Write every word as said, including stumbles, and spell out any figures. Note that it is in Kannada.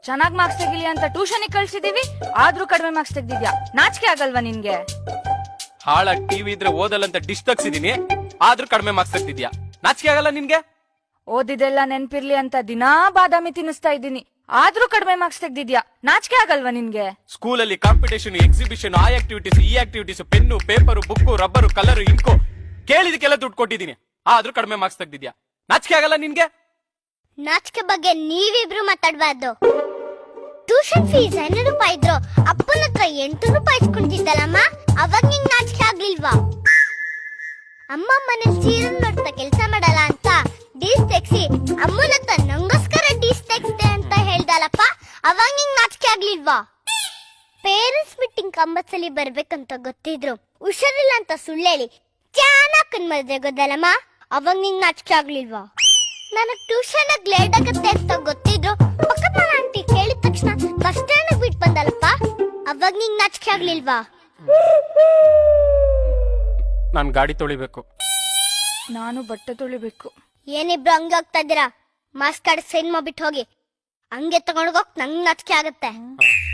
ಚೆನ್ನಾಗ್ ಮಾರ್ಕ್ಸ್ ತೆಗಿಲಿ ಅಂತ ಟ್ಯೂಷನ್ ಕಳ್ಸಿದೀವಿ, ಆದ್ರೂ ಕಡಿಮೆ ಮಾರ್ಕ್ಸ್ ತೆಗ್ದಿದ್ಯಾ. ನಾಚಿಕೆ ಆಗಲ್ವಾ ನಿನ್ಗೆ? ಹಾಳಾಗಿ ಟಿವಿ ಇದ್ರೆ ಓದಲ್ಲಂತ ಡಿಶ್ ತಗ್ಸಿದೀನಿ, ಆದ್ರೂ ಕಡಿಮೆ ಮಾರ್ಕ್ಸ್ ತೆಗ್ದಿದ್ಯಾ. ನಾಚಿಕೆ ಆಗಲ್ಲ ನಿನ್ಗೆ? ಓದಿದೆಲ್ಲ ನೆನ್ಪಿರ್ಲಿ ಅಂತ ದಿನಾ ಬಾದಾಮಿ ತಿನ್ನಿಸ್ತಾ ಇದ್ದೀನಿ, ಆದ್ರೂ ಕಡಿಮೆ ಮಾರ್ಕ್ಸ್ ತೆಗ್ದಿದ್ಯಾ. ನಾಚಿಕೆ ಆಗಲ್ವಾ ನಿನ್ಗೆ? ಸ್ಕೂಲಲ್ಲಿ ಕಾಂಪಿಟೇಷನ್, ಎಕ್ಸಿಬಿಷನ್, ಆ ಆಕ್ಟಿವಿಟೀಸ್ ಈ activities, pen, paper, book, rubber, colour, ink ಕೇಳಿದಕ್ಕೆಲ್ಲ ದುಡ್ಡು ಕೊಟ್ಟಿದ್ದೀನಿ, ಆದ್ರೂ ಕಡಿಮೆ ಮಾರ್ಕ್ಸ್ ತೆಗ್ದಿದ್ಯಾ. ನಾಚಿಕೆ ಆಗಲ್ಲ ನಿನ್ಗೆ? ನಾಚಿಕೆ ಬಗ್ಗೆ ನೀವಿಬ್ರು ಮಾತಾಡ್ಬಾರ್ದು. ಟ್ಯೂಷನ್ ಫೀಸ್ ಐನೂರು ರೂಪಾಯಿ ಇದ್ರು ಅಪ್ಪನ ಹತ್ರ ಎಂಟು ರೂಪಾಯಿ ಇಸ್ಕೊಂಡಿದ್ದಲ್ಲಮ್ಮ, ಅವಾಗ ನಿಂಗ್ ನಾಚಿಕೆ ಆಗ್ಲಿಲ್ವಾ? ಅಮ್ಮ ಮನೇಲಿ ಸೀರಿಯಲ್ ನೋಡ್ತಾ ಕೆಲ್ಸ ಮಾಡಲ್ಲ ಅಂತ ಡೀಸ್ ತೆಗ್ಸಿ ಅಮ್ಮನ ಹತ್ರ ನಂಗೋಸ್ಕರ ಡೀಸ್ ತೆಗ್ಸ್ದೆ ಅಂತ ಹೇಳ್ದಲ್ಲಪ್ಪ, ಅವಾಗ ನಿಂಗ್ ನಾಚಿಕೆ ಆಗ್ಲಿಲ್ವಾ? ಪೇರೆಂಟ್ಸ್ ಮೀಟಿಂಗ್ ಕಂಬತ್ಸಲಿ ಬರ್ಬೇಕಂತ ಗೊತ್ತಿದ್ರು ಹುಷಾರಿಲ್ಲ ಅಂತ ಸುಳ್ಳೇಳಿ ಚೆನ್ನಾಗ್ ಮದ್ವೆ ಗೊತ್ತಲ್ಲಮ್ಮ, ಅವಾಗ ನಿಂಗ್ ನಾಚಿಕೆ ಆಗ್ಲಿಲ್ವಾ? ನನಗ್ ಟ್ಯೂಷನ್ ಲೇಟ್ ಆಗತ್ತೆ ಅಂತ ಗೊತ್ತಿದ್ರು ಪಕ್ಕದ ಮನೆ ಆಂಟಿ ಕೇಳಿದ ತಕ್ಷಣ ಬಸ್ ಸ್ಟ್ಯಾಂಡ್ ಬಿಟ್ಟು ಬಂದಲ್ಲಪ್ಪ, ಅವಾಗ ನಿಂಗ್ ನಾಚಿಕೆ ಆಗ್ಲಿಲ್ವಾ? ನಾನ್ ಗಾಡಿ ತೊಳಿಬೇಕು. ನಾನು ಬಟ್ಟೆ ತೊಳಿಬೇಕು. ಏನಿಬ್ರು ಹಂಗೆ ಹೋಗ್ತಾ ಇದ್ದೀರಾ? ಮಾಸ್ಕ್ ಕಾರ್ಡ್ ಸೈನ್ ಮಾಡ್ಬಿಟ್ಟು ಹೋಗಿ. ಹಂಗೆ ತಗೊಂಡೋಗ್ ನಂಗ್ ನಾಚಿಕೆ ಆಗತ್ತೆ.